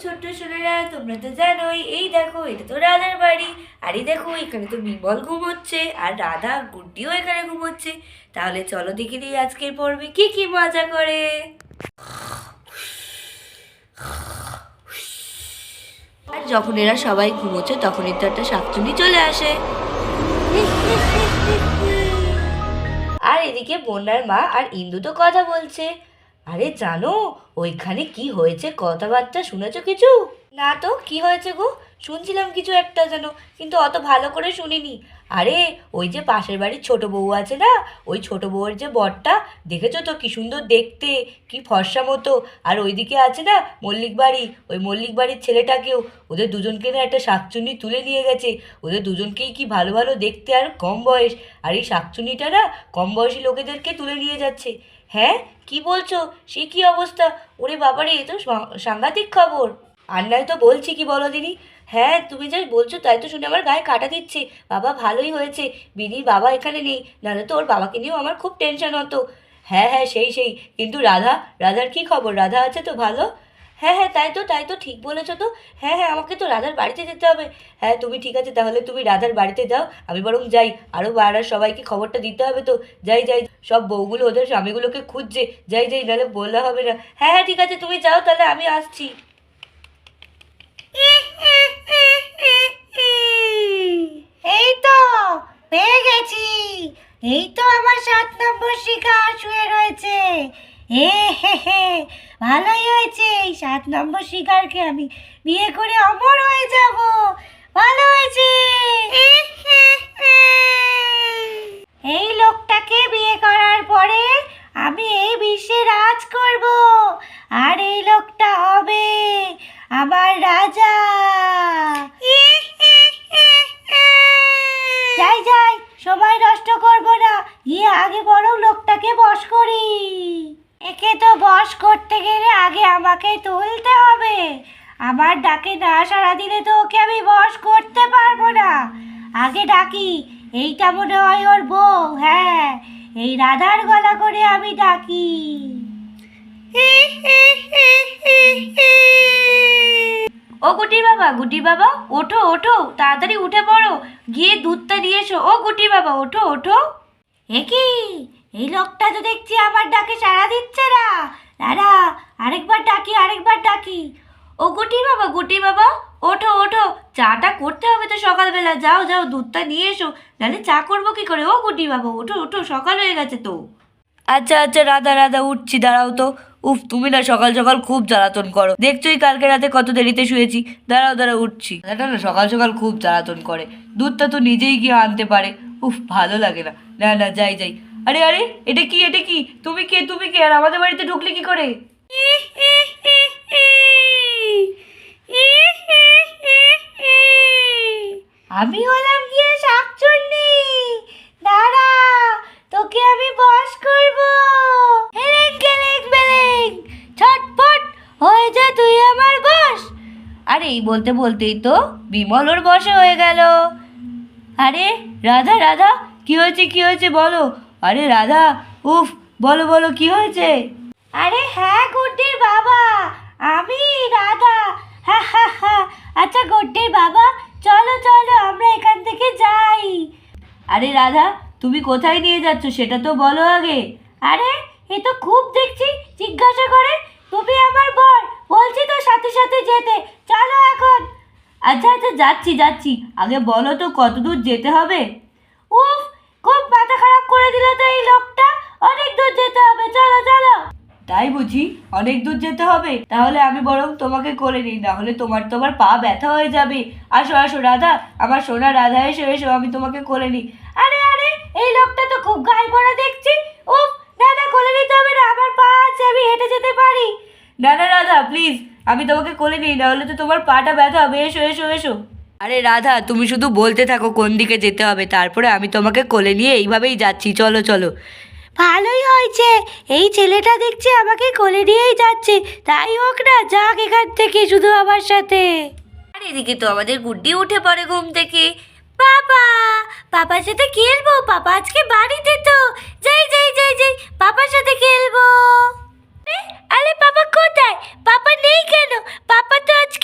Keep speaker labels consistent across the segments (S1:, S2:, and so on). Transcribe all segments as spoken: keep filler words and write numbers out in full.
S1: ছোট্ট সোনারা, তোমরা তো জানোই, এই দেখো এটা তো রাধার বাড়ি। আর এই দেখো এখানে তো বিমল ঘুমোচ্ছে আর রাধা গুড্ডিও এখানে ঘুমোচ্ছে। তাহলে চলো দেখে দিই আজকের পর্বে কি কি মজা করে। আর যখন এরা সবাই ঘুমোচ্ছে তখনই তো একটা শাকচুন্নি চলে আসে। আর এদিকে বন্যার মা আর ইন্দু তো কথা বলছে। আরে জানো ওইখানে কি হয়েছে, কথাবার্তা শুনেছো কিছু? না তো, কি হয়েছে গো? শুনছিলাম কিছু একটা যেন, কিন্তু অত ভালো করে শুনিনি। আরে ওই যে পাশের বাড়ির ছোট বউ আছে না, ওই ছোট বউয়ের যে বরটা, দেখেছো তো কি সুন্দর দেখতে, কি ফর্সা মতো। আর ওইদিকে আছে না মল্লিক বাড়ি, ওই মল্লিক বাড়ির ছেলেটাকেও, ওদের দুজনকে না একটা শাকচুন্নি তুলে নিয়ে গেছে। ওদের দুজনকেই কি ভালো ভালো দেখতে আর কম বয়স, আর এই শাকচুন্নিটা না কম বয়সী লোকেদেরকে তুলে নিয়ে যাচ্ছে। হ্যাঁ কি বলছো, সে কি অবস্থা? ওরে বাবারে, এ তো সাংঘাতিক খবর। আর নয় তো বলছি কি বলো দিনি। হ্যাঁ তুমি যা বলছো তাই তো শুনে আমার গায়ে কাটা দিচ্ছে। বাবা ভালোই হয়েছে বিনির বাবা এখানে নেই, নাহলে তো ওর বাবাকে নিয়েও আমার খুব টেনশন হতো। হ্যাঁ হ্যাঁ সেই সেই, কিন্তু রাধা, রাধার কি খবর? রাধা আছে তো ভালো? হ্যাঁ হ্যাঁ তাই তো তাই তো ঠিক বলেছো তো। হ্যাঁ হ্যাঁ আমাকে তো রাধার বাড়িতে যেতে হবে। হ্যাঁ তুমি ঠিক আছে, তাহলে তুমি রাধার বাড়িতে যাও, আমি বরং যাই। আরও পাড়ার সবাইকে খবরটা দিতে হবে তো। যাই যাই, সব বউগুলো ওদের স্বামীগুলোকে খুঁজছে। যাই যাই, নাহলে বললে হবে না। হ্যাঁ হ্যাঁ ঠিক আছে, তুমি যাও তাহলে, আমি আসছি।
S2: এই তো পেয়ে গেছি। এই তো আমার সাত নম্বর শিকার শুয়ে রয়েছে। এ হে হে, ভালোই হয়েছে, এই সাত নম্বর শিকারকে আমি বিয়ে করে অমর হয়ে যাব। ভালো হয়েছে। এই লোকটাকে বিয়ে করার পরে আমি এই বিশ্বে রাজ করব, আর এই লোকটা হবে আমার রাজা। যাই যাই, সময় নষ্ট করব না, গিয়ে আগে বরং লোকটাকে বশ করি। একে তো বশ করতে গেলে আগে আমাকে তুলতে হবে। আমার ডাকে না সাড়া দিলে তো ওকে আমি বশ করতে পারবো না। আগে ডাকি, এইটা মনে হয় ওর বউ। হ্যাঁ, এই রাধার গলা করে আমি ডাকি।
S1: ও গুটি বাবা, গুটি বাবা ওঠো ওঠো, তাড়াতাড়ি উঠে পড়ো, গিয়ে দুধটা দিয়ে এসো। ও গুটি বাবা ওঠো ওঠো।
S2: এ কি, এই লোকটা তো দেখছি আমার ডাকে সাড়া দিচ্ছে না। দাঁড়া, আরেকবার ডাকি আরেকবার ডাকি।
S1: ও গুটি বাবা, গুটি বাবা ওঠো ওঠো, চাটা করতে হবে তো সকালবেলা। যাও যাও দুধটা নিয়ে এসো, নাহলে চা করবো কি করে? ও গুটি বাবা ওঠো ওঠো, সকাল হয়ে গেছে তো। আচ্ছা আচ্ছা রাধা রাধা উঠছি, দাঁড়াও তো। উফ তুমি না সকাল সকাল খুব জ্বালাতন করো, দেখছোই কালকে রাতে কত দেরিতে শুয়েছি। দাঁড়াও দাঁড়াও উঠছি। এটা না সকাল সকাল খুব জ্বালাতন করে, দুধটা তো নিজেই গিয়ে আনতে পারে। উফ ভালো লাগে না। না না যাই যাই। আরে আরে এটা কি, এটা কি? তুমি কে, তুমি কে, আর আমাদের বাড়িতে ঢুকলে কি করে?
S2: আমি হলাম গিয়ে শাকচুন্নি। দাঁড়া, তোকে আমি বশ করব। হেলেং গেলেং বেলেং, ছটফট হয়ে যা তুই আমার বশ।
S1: আরে এই বলতে বলতেই তো বিমল ওর বশে হয়ে গেল। আরে রাধা রাধা, কি হয়েছে কি হয়েছে বলো? আরে রাধা, উফ বলো বলো কি হয়েছে?
S2: আরে হ্যাঁ গুড্ডির বাবা, আমি রাধা। হা হা হা। আচ্ছা গুড্ডির বাবা, চলো চলো আমরা এখান থেকে যাই।
S1: আরে রাধা, তুমি কোথায় নিয়ে যাচ্ছ সেটা তো বলো আগে।
S2: আরে এ তো খুব দেখছি জিজ্ঞাসা করে। তুমি আমার বর, বলছি তো সাথে সাথে যেতে। চলো এখন।
S1: আচ্ছা আচ্ছা যাচ্ছি যাচ্ছি, আগে বলো তো কত দূর যেতে হবে?
S2: উফ, খুব মাথা খারাপ করে দিল তো এই লোকটা। অনেক দূর যেতে হবে, চলো চলো।
S1: তাই বুঝি? অনেক দূর যেতে হবে? তাহলে আমি বরং তোমাকে করে নিই, না হলে তোমার তোমার পা ব্যথা হয়ে যাবে। আসো আসো রাধা, আমার সোনা রাধা, এসো এসো, আমি তোমাকে করে নিই।
S2: আরে আরে, এই লোকটা তো খুব গায়ে পড়া দেখছি। উফ, না না কোলে নিতে হবে না, আমার পা আছে, আমি হেঁটে যেতে পারি।
S1: না না রাধা প্লিজ, আমি তোমাকে কোলে নিই, না হলে তো তোমার পাটা ব্যথা হবে। এসো এসো এসো। আরে রাধা তুমি শুধু বলতে থাকো কোন দিকে যেতে হবে, তারপরে আমি তোমাকে কোলে নিয়ে এইভাবেই যাচ্ছি। চলো চলো।
S2: ভালোই হয়েছে, এই ছেলেটা দেখছি আমাকে কোলে নিয়েই যাচ্ছে। তাই হোক না, যাক এখান থেকে শুধু আমার সাথে।
S1: আর এদিকে তো আমাদের গুড্ডি উঠে পড়ে ঘুম থেকে।
S2: বাবা, পাপার সাথে খেলবো। পাপা আজকে বাড়িতে তো। যাই যাই যাই যাই, পাপার সাথে খেলবো। আরে পাপা কোথায়? পাপা নেই কেন? পাপা তো আজকে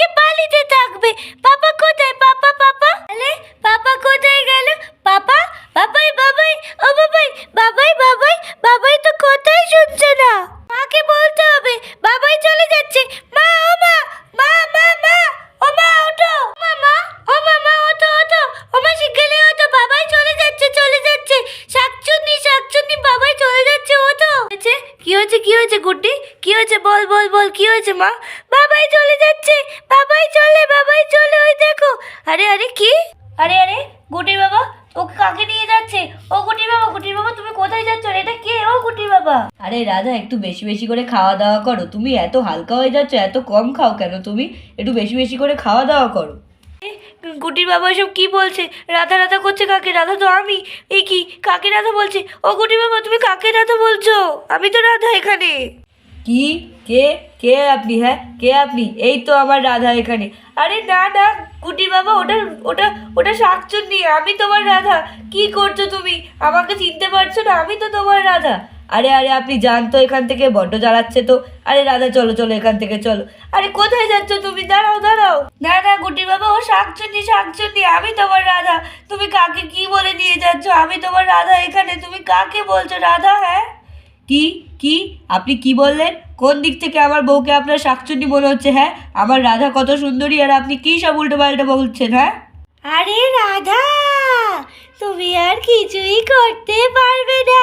S1: বল কি হয়েছে মা? বাবাই চলে যাচ্ছে, বাবাই চলে, বাবাই চলে, ওই দেখো। আরে আরে কি? আরে আরে গুটির বাবা, ওকে কাকে নিয়ে যাচ্ছে? ও গুটির বাবা, গুটির বাবা তুমি কোথায় যাচ্ছ? এটা কে? ও গুটির বাবা। আরে রাধা, একটু বেশি বেশি করে খাওয়া দাওয়া করো। তুমি এত হালকা হয়ে যাচ্ছ, এত কম খাও কেন তুমি? একটু বেশি বেশি করে খাওয়া দাওয়া করো। গুটির বাবা এসব কি বলছে? রাধা রাধা করছে কাকে? রাধা তো আমি। এই কি, কাকে রাধা বলছে? ও গুটির বাবা, তুমি কাকে রাধা বলছো? আমি তো রাধা এখানে। কি? কে? কে আপনি? হ্যাঁ, কে আপনি? এই তো আমার রাধা এখানে। আরে না না গুটির বাবা, ওটা ওটা ওটা শাকচুন্নি, আমি তোমার রাধা। কি করছো তুমি? আমাকে চিনতে পারছো না? আমি তো তোমার রাধা। আরে আরে আপনি যান তো এখান থেকে, বড্ড জ্বালাচ্ছে তো। আরে রাধা চলো চলো এখান থেকে চলো। আরে কোথায় যাচ্ছ তুমি? দাঁড়াও দাঁড়াও। না না গুটির বাবা, ও শাকচুন্নি, শাকচুন্নি, আমি তোমার রাধা। তুমি কাকে কি বলে নিয়ে যাচ্ছ? আমি তোমার রাধা এখানে। তুমি কাকে বলছো রাধা? হ্যাঁ কি কি আপনি কি বললেন? কোন দিক থেকে আমার বউকে আপনার শাকচুন্নি মনে হচ্ছে? হ্যাঁ, আমার রাধা কত সুন্দরী, আর আপনি কি সব উল্টো পাল্টা বলছেন? হ্যাঁ
S2: আরে রাধা, তুমি আর কিছুই করতে পারবে না।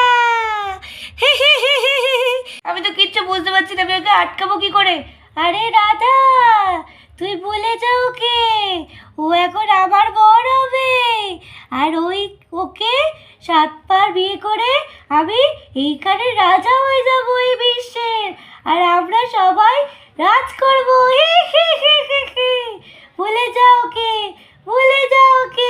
S1: আমি তো কিচ্ছু বুঝতে পারছি না, আমি ওকে আটকাবো কি করে?
S2: আরে রাধা, তুই ভুলে যাও ওকে। ও এখন আমার বর হবে, আর ওই ওকে সাতবার বিয়ে করে আমি এইখানে রাজা হয়ে যাবো এই বিশ্বের, আর আমরা সবাই রাজ করবো। ভুলে যাও ওকে, ভুলে যাও ওকে।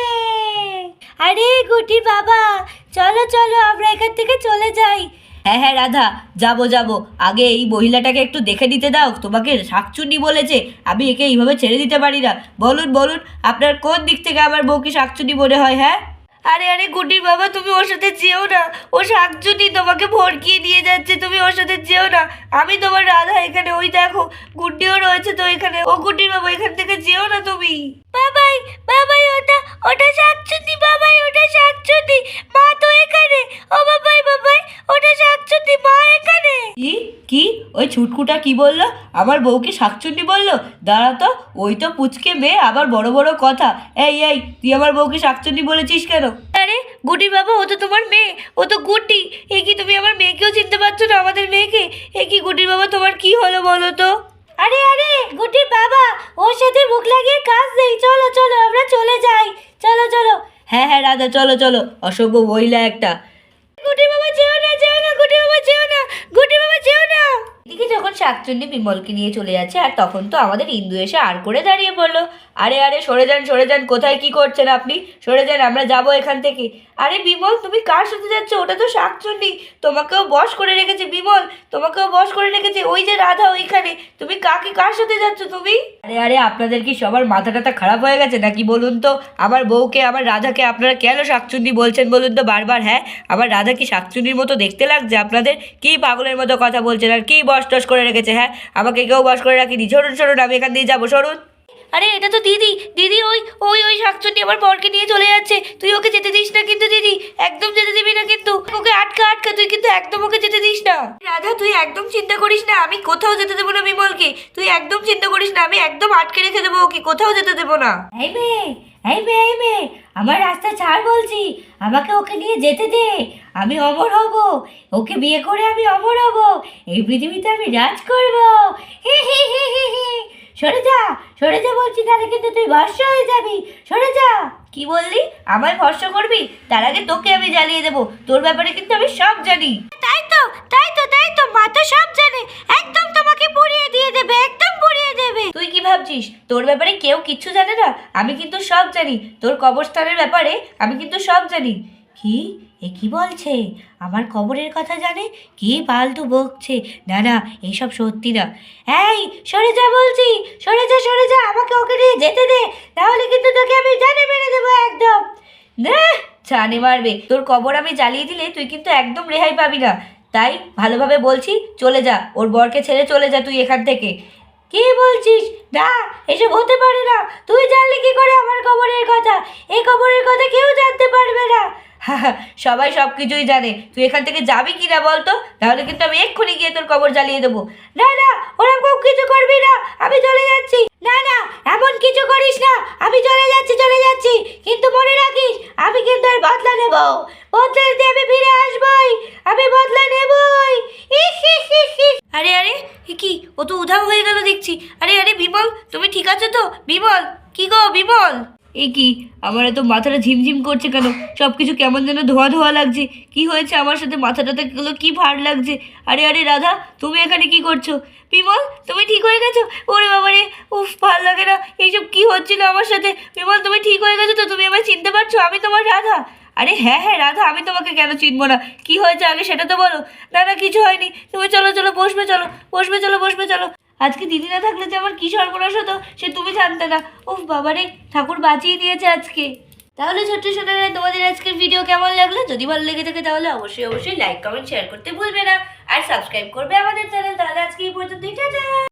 S2: আরে গুটি বাবা, চলো চলো আমরা এখান থেকে চলে যাই।
S1: হ্যাঁ হ্যাঁ রাধা, যাবো যাবো। আগে এই মহিলাটাকে একটু দেখে দিতে দাও। তোমাকে শাকচুন্নি বলেছে, আমি একে এইভাবে ছেড়ে দিতে পারি না। বলুন বলুন, আপনার কোন দিক থেকে আমার বউকে শাকচুন্নি মনে হয়? হ্যাঁ আরে আরে গুটির বাবা, তুমি ওর সাথে যেও না। ও শাকচুন্নি তোমাকে ভড়কিয়ে নিয়ে যাচ্ছে, তুমি ওর সাথে যেও না। আমি তোমার রাধা এখানে। ওই দেখো গুড্ডিও রয়েছে তো এখানে। ও গুটির বাবা, এখান থেকে যেও না তুমি।
S2: বাবাই বাবাই, ওটা ওটা শাকচুন্নি, বাবাই ওটা শাকচুন্নি, মা তো এখানে। ও বাবাই বাবাই, ওটা শাকচুন্নি, মা এখানে।
S1: কি কি ওই ছুটকুটা কি বললো? আমার বউকে শাকচুন্নি বললো? দাঁড়া তো, ওই তো পুচকে মেয়ে, আবার বড় বড় কথা। এই এই, তুই আমার বউকে শাকচুন্নি বলেছিস কেন? আরে গুটির বাবা, ও তো তোমার মেয়ে, ও তো গুটি। এ কি, তুমি আমার মেয়েকেও চিনতে পারছো না, আমাদের মেয়েকে? এ কি গুটির বাবা, তোমার কি হলো বলো তো?
S2: আরে আরে গুটির বাবা, ওর সাথে মুখ লাগিয়ে কাজ নেই। চলো চলো আমরা চলে যাই, চলো চলো।
S1: হ্যাঁ হ্যাঁ রাধা, চলো চলো। অসভ্য মহিলা একটা।
S2: গুটির বাবা যেও না, যেও না, গুটির বাবা যেও না, গুটির বাবা যেও না।
S1: এদিকে যখন শাকচুন্নি বিমলকে নিয়ে চলে যাচ্ছে, আর তখন তো আমাদের ইন্দু এসে আর করে দাঁড়িয়ে পড়লো। আরে আরে সরে যান সরে যান, কোথায় কি করছেন আপনি? সরে যান, আমরা যাবো এখান থেকে। আরে বিমল, তুমি কার সাথে যাচ্ছ? ওটা তো শাকচুন্নি, তোমাকেও বশ করে রেখেছে বিমল, তোমাকেও বশ করে রেখেছে। ওই যে রাধা ওইখানে। তুমি কাকে, কার সাথে যাচ্ছ তুমি? আরে আরে আপনাদের কি সবার মাথা টাথা খারাপ হয়ে গেছে নাকি বলুন তো? আমার বউকে, আমার রাধাকে আপনারা কেন শাকচুন্নি বলছেন বলুন তো বারবার? হ্যাঁ, আমার রাধা কি শাকচুন্নির মতো দেখতে লাগছে আপনাদের? কি পাগলের মতো কথা বলছেন, আর কি বশ টস করে রেখেছে? হ্যাঁ, আমাকে কেউ বশ করে রাখিনি। সরুন সরুন, আমি এখান দিয়ে যাবো, সরুন। আরে এটা তো দিদি, দিদি ওই ওই ওই শাকচুন্নি আমার বরকে নিয়ে চলে যাচ্ছে। তুই ওকে যেতে দিস না কিন্তু দিদি, একদম যেতে দিবি না কিন্তু। ওকে আটকা আটকা, তুই কিন্তু একদম ওকে যেতে দিস না। রাধা তুই একদম চিন্তা করিস না, আমি কোথাও যেতে দেবো না বিমলকে। তুই একদম চিন্তা করিস না, আমি একদম আটকে রেখে দেবো ওকে, কোথাও যেতে দেবো না।
S2: এই মেয়ে, এই মেয়ে, এই মেয়ে, আমার রাস্তা ছাড় বলছি। আমাকে ওকে নিয়ে যেতে দে, আমি অমর হব। ওকে বিয়ে করে আমি অমর হব, এই পৃথিবীতে আমি রাজ করব। হি হি হি হি হি। সরে যা, সরে যা বলছি, তাহলে কিন্তু তুই ভস্ম হয়ে যাবি। সরে যা।
S1: কি বললি? আমায় ভস্ম করবি? তার আগে তোকে আমি জ্বালিয়ে দেবো। তোর ব্যাপারে কিন্তু আমি সব জানি।
S2: তাই তো, তাই তো, তাই তো, মা তো সব জানে। একদম তোমাকে পুড়িয়ে দিয়ে দেবে, একদম পুড়িয়ে দেবে।
S1: তুই কি ভাবছিস তোর ব্যাপারে কেউ কিচ্ছু জানে না? আমি কিন্তু সব জানি। তোর কবরস্থানের ব্যাপারে আমি কিন্তু সব জানি।
S2: কি, এ কি বলছে? আমার কবরের কথা জানে? কি ফালতু বকছে। না না, এইসব সত্যি না। এই সরে যা বলছি, সরে যা, সরে যা, আমাকে ওকে নিয়ে যেতে দে, তাহলে কিন্তু তোকে আমি জানে মেরে দেবো একদম।
S1: না, জানে মারবে। তোর কবর আমি জ্বালিয়ে দিলে তুই কিন্তু একদম রেহাই পাবি না। তাই ভালোভাবে বলছি, চলে যা, ওর বরকে ছেড়ে চলে যা তুই এখান থেকে।
S2: কি বলছিস? না, এসব হতে পারে না। তুই জানলি কি করে আমার কবরের কথা? এই কবরের কথা কেউ জানতে পারবে না।
S1: সবাই সব কিছুই জানে। তুই এখান থেকে যাবি কি না বলতো? তাহলে কিন্তু আমি এক্ষুনি গিয়ে তোর কবর জ্বালিয়ে দেবো।
S2: না না, ওরকম কিছু করবি না, আমি চলে যাচ্ছি। না না, এমন কিছু করিস না, আমি চলে যাচ্ছি, চলে যাচ্ছি। কিন্তু মনে রাখিস, আমি কিন্তু আর বদলা নেব। বদলা নিতে আমি ফিরে আসবই, আমি বদলা নেবই।
S1: আরে আরে এ কি, ও তো উধাও হয়ে গেল দেখছি। আরে আরে বিমল, তুমি ঠিক আছো তো? বিমল, কি গো বিমল? এই কি, আমার এত মাথাটা ঝিমঝিম করছে কেন? সব কিছু কেমন যেন ধোয়া ধোয়া লাগছে। কি হয়েছে আমার সাথে? মাথাটাতে গুলো কি ভার লাগছে। আরে আরে রাধা, তুমি এখানে কি করছো? বিমল, তুমি ঠিক হয়ে গেছো? ওরে বাবা রে, উফ, ভাল লাগে না এইসব কি হচ্ছিল আমার সাথে। বিমল, তুমি ঠিক হয়ে গেছো তো? তুমি আমায় চিনতে পারছো? আমি তোমার রাধা। আরে হ্যাঁ হ্যাঁ রাধা, আমি তোমাকে কেন চিনবো না? কি হয়েছে আগে সেটা তো বলো। না না, কিছু হয়নি। তুমি চলো চলো, বসবে, চলো বসবে, চলো বসবে চলো। আজকে দিদি না থাকলে যে আমার কী সর্বনাশ হতো সে তুমি জানতে না। উফ বাবারে, ঠাকুর বাঁচিয়ে দিয়েছে আজকে। তাহলে ছোট্ট সোনারা, তোমাদের আজকের ভিডিও কেমন লাগলো? যদি ভালো লেগে থাকে তাহলে অবশ্যই অবশ্যই লাইক কমেন্ট শেয়ার করতে ভুলবে না, আর সাবস্ক্রাইব করবে আমাদের চ্যানেল। তাহলে আজকে এই পর্যন্তই, টাটা।